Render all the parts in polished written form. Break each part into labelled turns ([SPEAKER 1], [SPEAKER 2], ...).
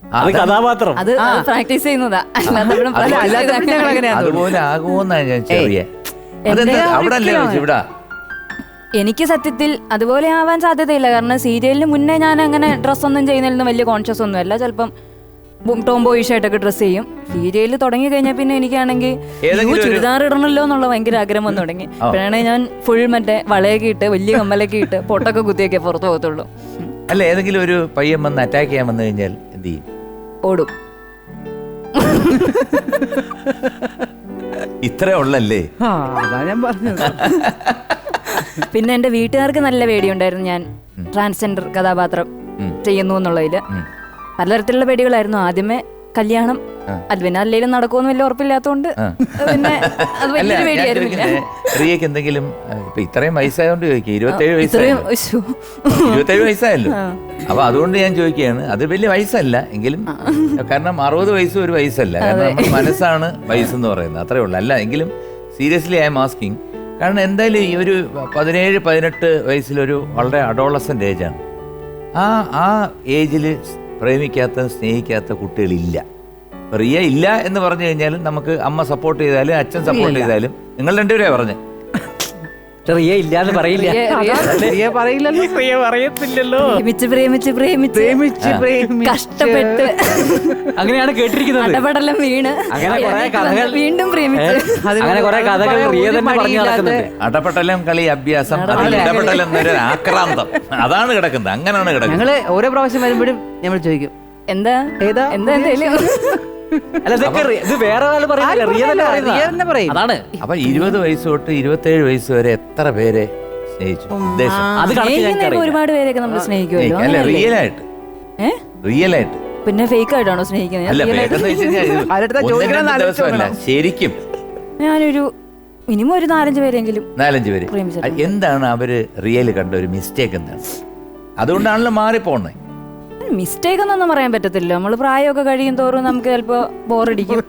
[SPEAKER 1] അത് കഥാപാത്രം,
[SPEAKER 2] അത് പ്രാക്ടീസ് ചെയ്യുന്നതാ.
[SPEAKER 3] അതുപോലെ ആകുമോന്നാ ഞാൻ ചെറിയ അവിടെ അല്ലേ ഇവിടെ.
[SPEAKER 2] എനിക്ക് സത്യത്തിൽ അതുപോലെ ആവാൻ സാധ്യതയില്ല. കാരണം സീരിയലിന് മുന്നേ ഞാൻ അങ്ങനെ ഡ്രസ്സൊന്നും ചെയ്യുന്നതിലൊന്നും വലിയ കോൺഷ്യസ് ഒന്നും അല്ല. ചിലപ്പം ടോംബോയിഷ് ആയിട്ടൊക്കെ ഡ്രസ്സ് ചെയ്യും. സീരിയലിൽ തുടങ്ങി കഴിഞ്ഞാൽ പിന്നെ എനിക്കാണെങ്കിൽ ചുരിദാർ ഇടണല്ലോ എന്നുള്ള ഭയങ്കര ആഗ്രഹം വന്നു തുടങ്ങി. അപ്പോഴാണ് ഞാൻ ഫുൾ മറ്റേ വളയൊക്കെ ഇട്ട് വലിയ കമ്മലൊക്കെ ഇട്ട് പൊട്ടൊക്കെ കുത്തിയൊക്കെ പുറത്ത് പോകത്തുള്ളൂ.
[SPEAKER 3] അല്ല, ഏതെങ്കിലും ഒരു പയ്യൻ വന്ന് അറ്റാക്ക് ചെയ്യാൻ വന്നു കഴിഞ്ഞാൽ എന്ത് ചെയ്യും?
[SPEAKER 2] ഓടും.
[SPEAKER 3] ഇത്രേ ഉള്ളല്ലേ?
[SPEAKER 4] ഞാൻ പറഞ്ഞത്.
[SPEAKER 2] പിന്നെ എന്റെ വീട്ടുകാർക്ക് നല്ല പേടിയുണ്ടായിരുന്നു ഞാൻ ട്രാൻസ്ജെൻഡർ കഥാപാത്രം ചെയ്യുന്നു എന്നുള്ളതില്. പലതരത്തിലുള്ള പേടികളായിരുന്നു. ആദ്യമേ കല്യാണം, അത് പിന്നെ അല്ലെങ്കിലും നടക്കുമെന്ന് വലിയ ഉറപ്പില്ലാത്തതുകൊണ്ട് പിന്നെ അത് വലിയൊരു പേടിയായിരുന്നില്ല.
[SPEAKER 3] റിയക്ക് എന്തെങ്കിലും ഇപ്പൊ ഇത്രയും വയസ്സായോണ്ട് ചോദിക്കുക, 27 വയസ്സായല്ലോ. അപ്പൊ അതുകൊണ്ട് ഞാൻ ചോദിക്കുകയാണ്, അത് വലിയ വയസ്സല്ല എങ്കിലും, കാരണം 60 വയസ്സും ഒരു വയസ്സല്ല. കാരണം നമ്മുടെ മനസ്സാണ് വയസ്സെന്ന് പറയുന്നത്, അത്രേ ഉള്ളൂ. അല്ല എങ്കിലും സീരിയസ്ലി ഐ എം ആസ്കിങ്. കാരണം എന്തായാലും ഈ ഒരു 17-18 വയസ്സിലൊരു വളരെ അഡോളസന്റ് ഏജാണ്. ആ ഏജിൽ പ്രേമിക്കാത്ത സ്നേഹിക്കാത്ത കുട്ടികളില്ല. റിയ ഇല്ല എന്ന് പറഞ്ഞു കഴിഞ്ഞാലും നമുക്ക് അമ്മ സപ്പോർട്ട് ചെയ്താലും അച്ഛൻ സപ്പോർട്ട് ചെയ്താലും, നിങ്ങൾ രണ്ടുപേരെയാ പറഞ്ഞ്
[SPEAKER 1] റിയ ഇല്ലാന്ന് പറയില്ല, പറയത്തില്ലല്ലോ.
[SPEAKER 2] കഷ്ടപ്പെട്ട്
[SPEAKER 1] അങ്ങനെയാണ് കേട്ടിരിക്കുന്നത്.
[SPEAKER 2] അടപടലം വീണ്
[SPEAKER 1] അങ്ങനെ കുറെ കഥകൾ
[SPEAKER 2] വീണ്ടും പ്രേമിച്ച്,
[SPEAKER 1] അങ്ങനെ കുറെ കഥകൾ റിയ തന്നെ പറഞ്ഞു നടക്കുന്നുണ്ട്.
[SPEAKER 3] അടപടലം കളി അഭ്യാസം, ഇടപെടലം എന്നൊരു ആക്രാന്തം അതാണ് കിടക്കുന്നത്. അങ്ങനെയാണ് കിടക്കുന്നത്.
[SPEAKER 4] ഞങ്ങള് ഓരോ പ്രാവശ്യം വരുമ്പോഴും നമ്മൾ ചോദിക്കും
[SPEAKER 2] എന്താ എന്താ എന്തേലും.
[SPEAKER 1] അല്ല, ഇത് വേറെ പറയും. അതാണ്.
[SPEAKER 3] അപ്പൊ 20 വയസ്സ് തൊട്ട് 27 വയസ്സ് വരെ എത്ര പേരെ സ്നേഹിച്ചു?
[SPEAKER 2] ഒരുപാട് പേരെയൊക്കെ നമ്മൾ സ്നേഹിക്കുമല്ലോ.
[SPEAKER 3] അല്ല, റിയലായിട്ട് റിയലായിട്ട്
[SPEAKER 2] പിന്നെ ഫേക്ക് ആയിട്ടാണോ സ്നേഹിക്കുന്നത്?
[SPEAKER 3] അല്ല, ദിവസമല്ല, ശരിക്കും
[SPEAKER 2] ഞാനൊരു മിനിമം ഒരു 4-5 പേരെങ്കിലും.
[SPEAKER 3] 4-5 പേര്. എന്താണ് അവര് റിയൽ കണ്ട ഒരു മിസ്റ്റേക്ക്? എന്താണ്? അതുകൊണ്ടാണല്ലോ മാറിപ്പോണേ.
[SPEAKER 2] മിസ്റ്റേക്ക് എന്നൊന്നും പറയാൻ പറ്റത്തില്ല. നമ്മള് പ്രായമൊക്കെ കഴിയും തോറും നമുക്ക് ചിലപ്പോ ബോറടിക്കും.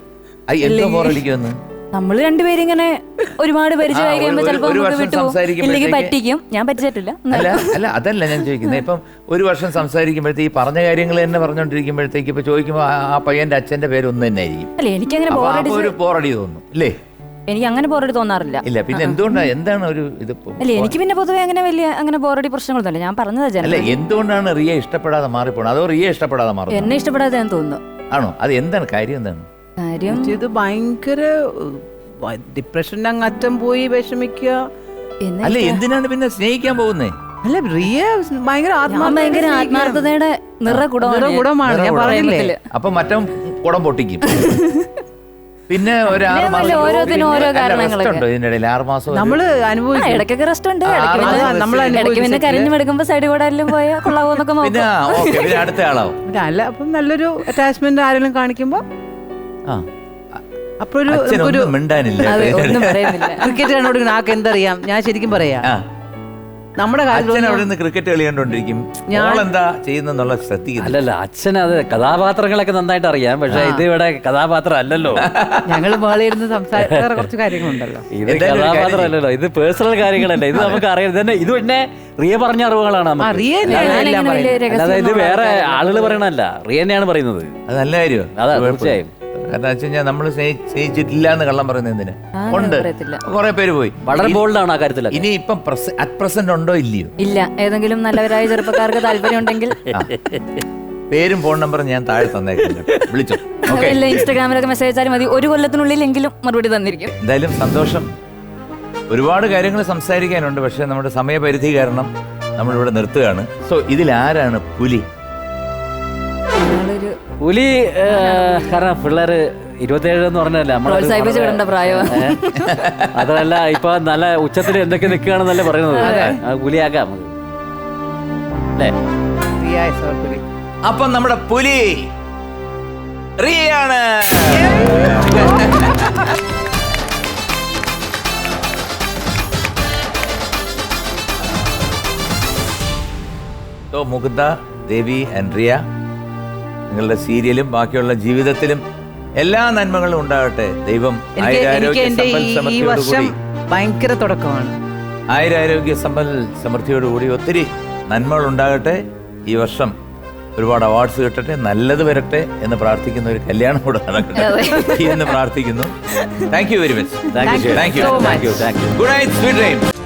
[SPEAKER 2] നമ്മള് രണ്ടുപേരും ഇങ്ങനെ ഒരുപാട് പരിചയമായി കഴിയുമ്പോ ചിലപ്പോ ഇല്ലെങ്കിൽ പറ്റിക്കും. ഞാൻ പറ്റിച്ചിട്ടില്ല.
[SPEAKER 3] അല്ല, അതല്ല ഞാൻ ചോദിക്കുന്നത്. ഇപ്പം ഒരു വർഷം സംസാരിക്കുമ്പോഴത്തേക്ക് ഈ പറഞ്ഞ കാര്യങ്ങൾ തന്നെ പറഞ്ഞോണ്ടിരിക്കുമ്പോഴത്തേക്ക് ഇപ്പൊ ചോദിക്കുമ്പോ ആ പയ്യന്റെ അച്ഛന്റെ പേര് ഒന്ന് തന്നെ ആയിരിക്കും.
[SPEAKER 2] അല്ല, എനിക്കങ്ങനെ
[SPEAKER 3] ബോറടി തോന്നും അല്ലേ?
[SPEAKER 2] എനിക്ക് അങ്ങനെ ബോറടി തോന്നാറില്ല.
[SPEAKER 3] ഇല്ല, പിന്നെ എന്തുകൊണ്ടാണ്, എന്താണ് ഒരു ഇത്?
[SPEAKER 2] അല്ല, എനിക്ക് പിന്നെ പൊതുവെ അങ്ങനെ വലിയ അങ്ങനെ ബോറടി പ്രശ്നങ്ങളൊന്നുമില്ല. ഞാൻ പറഞ്ഞത്
[SPEAKER 3] അല്ല, എന്തുകൊണ്ടാണ് റിയ ഇഷ്ടപ്പെടാതെ മാറിപ്പോണത്? അതോ റിയ ഇഷ്ടപ്പെടാതെ മാറി?
[SPEAKER 2] എന്നെ ഇഷ്ടപ്പെടാതെ ഞാൻ തോന്നുന്നു.
[SPEAKER 3] ആണോ? അത് എന്താണ് കാര്യം? എന്താണ്
[SPEAKER 2] കാര്യം?
[SPEAKER 4] ഇത് ഭയങ്കര ഡിപ്രഷന്റെ അങ്ങറ്റം പോയി വിഷമിക്കുക.
[SPEAKER 3] അല്ല, എന്തിനാണ് പിന്നെ സ്നേഹിക്കാൻ പോകുന്നേ?
[SPEAKER 4] അല്ല, റിയ ഭയങ്കര
[SPEAKER 2] ആത്മാർത്ഥതയുടെ
[SPEAKER 4] നിറകുടമാണ്. ഞാൻ പറഞ്ഞില്ലേ.
[SPEAKER 3] അപ്പൊ മറ്റേ കുടം പൊട്ടിക്കും. പിന്നെ ഒരു 6 മാസം ഇതിനിടയിൽ 6 മാസം
[SPEAKER 4] നമ്മള് അനുഭവിച്ചു.
[SPEAKER 2] ഇടയ്ക്കൊക്കെ റെസ്റ്റ് ഉണ്ട്. പിന്നെ കരഞ്ഞു എടുക്കുമ്പോ സൈഡ് കൂടെ എല്ലാം പോയാൽ കൊള്ളാവോന്നൊക്കെ നോക്കും.
[SPEAKER 3] പിന്നെ അടുത്ത ആളാവും.
[SPEAKER 4] അല്ല, അപ്പം നല്ലൊരു അറ്റാച്ച്മെന്റ് ആരെങ്കിലും കാണിക്കുമ്പോ അപ്പൊരു ക്രിക്കറ്റ് കണ്ടോണ്ട് നാക്ക് എന്തറിയാം. ഞാൻ ശരിക്കും പറയാ, നമ്മുടെ
[SPEAKER 3] അച്ഛൻ അവിടെ നിന്ന് ക്രിക്കറ്റ് കളി കണ്ടോണ്ടിരിക്കും, എന്താ ചെയ്യുന്നുള്ള ശ്രദ്ധിക്കുന്നു.
[SPEAKER 1] അല്ലല്ല, അച്ഛൻ അത് കഥാപാത്രങ്ങളൊക്കെ നന്നായിട്ട് അറിയാം. പക്ഷെ ഇത് ഇവിടെ കഥാപാത്രം അല്ലല്ലോ.
[SPEAKER 4] ഞങ്ങൾ മേളിരുന്ന് സംസാരിക്കാറ് കുറച്ച് കാര്യങ്ങളുണ്ടല്ലോ.
[SPEAKER 1] ഇത് കഥാപാത്രം അല്ലല്ലോ, ഇത് പേഴ്സണൽ കാര്യങ്ങളല്ല. ഇത് നമുക്ക് അറിയാം. തന്നെ ഇത് പിന്നെ റിയ പറഞ്ഞ അറിവുകളാണ് നമുക്ക്. അല്ലാതെ ഇത് വേറെ ആളുകൾ പറയണല്ല, റിയ തന്നെയാണ് പറയുന്നത്.
[SPEAKER 3] അത് നല്ല കാര്യം.
[SPEAKER 1] അതാ തീർച്ചയായും.
[SPEAKER 3] കാരണം വെച്ച് കഴിഞ്ഞാൽ നമ്മള് സ്നേഹിച്ചിട്ടില്ല എന്ന് കള്ളം പറയുന്നത് എന്തിന്? ഉണ്ട്, കുറെ പേര് പോയി.
[SPEAKER 1] വളരെ ബോൾഡാണ് ആ കാര്യത്തിൽ.
[SPEAKER 3] ഇനി ഇപ്പം അറ്റ് പ്രസന്റ് ഉണ്ടോ ഇല്ലയോ?
[SPEAKER 2] ഇല്ല. ഏതെങ്കിലും നല്ലവരായ ചെറുപ്പക്കാർക്ക് താല്പര്യം ഉണ്ടെങ്കിൽ
[SPEAKER 3] പേരും ഫോൺ നമ്പറും ഞാൻ താഴെ തന്നേക്കുന്നു, വിളിച്ചു.
[SPEAKER 2] ഇൻസ്റ്റാഗ്രാമിലൊക്കെ മെസ്സേജ് അയച്ചാലും മതി. ഒരു കൊല്ലത്തിനുള്ളിലെങ്കിലും മറുപടി തന്നിരിക്കും.
[SPEAKER 3] എന്തായാലും സന്തോഷം. ഒരുപാട് കാര്യങ്ങൾ സംസാരിക്കാനുണ്ട്, പക്ഷെ നമ്മുടെ സമയപരിധി കാരണം നമ്മളിവിടെ നിർത്തുകയാണ്. സോ ഇതിലാരാണ് പുലി?
[SPEAKER 1] പുലി കാരണം പിള്ളേര് 27 എന്ന് പറഞ്ഞല്ലേ അതല്ല, ഇപ്പൊ നല്ല ഉച്ചത്തിൽ എന്തൊക്കെ നിൽക്കുകയാണെന്നല്ലേ പറയുന്നത്. പുലിയാക്കാം അല്ലേ?
[SPEAKER 3] അപ്പം നമ്മുടെ പുലി റിയയാണ്. മുകുന്ദ, ദേവി ആൻഡ് റിയ, നിങ്ങളുടെ സീരിയലും ബാക്കിയുള്ള ജീവിതത്തിലും എല്ലാ നന്മകളും ഉണ്ടാകട്ടെ. ദൈവം
[SPEAKER 4] ഭയങ്കര തുടക്കമാണ്.
[SPEAKER 3] ആയുരാരോഗ്യ സമ്പൽ സമൃദ്ധിയോടുകൂടി ഒത്തിരി നന്മകൾ ഉണ്ടാകട്ടെ. ഈ വർഷം ഒരുപാട് അവാർഡ്സ് കിട്ടട്ടെ, നല്ലത് വരട്ടെ എന്ന് പ്രാർത്ഥിക്കുന്ന ഒരു കല്യാണം കൂടെ നടക്കട്ടെ എന്ന് പ്രാർത്ഥിക്കുന്നു. Thank you very much.
[SPEAKER 1] Thank you
[SPEAKER 3] thank you
[SPEAKER 1] thank you thank you.
[SPEAKER 3] Good night, sweet dreams.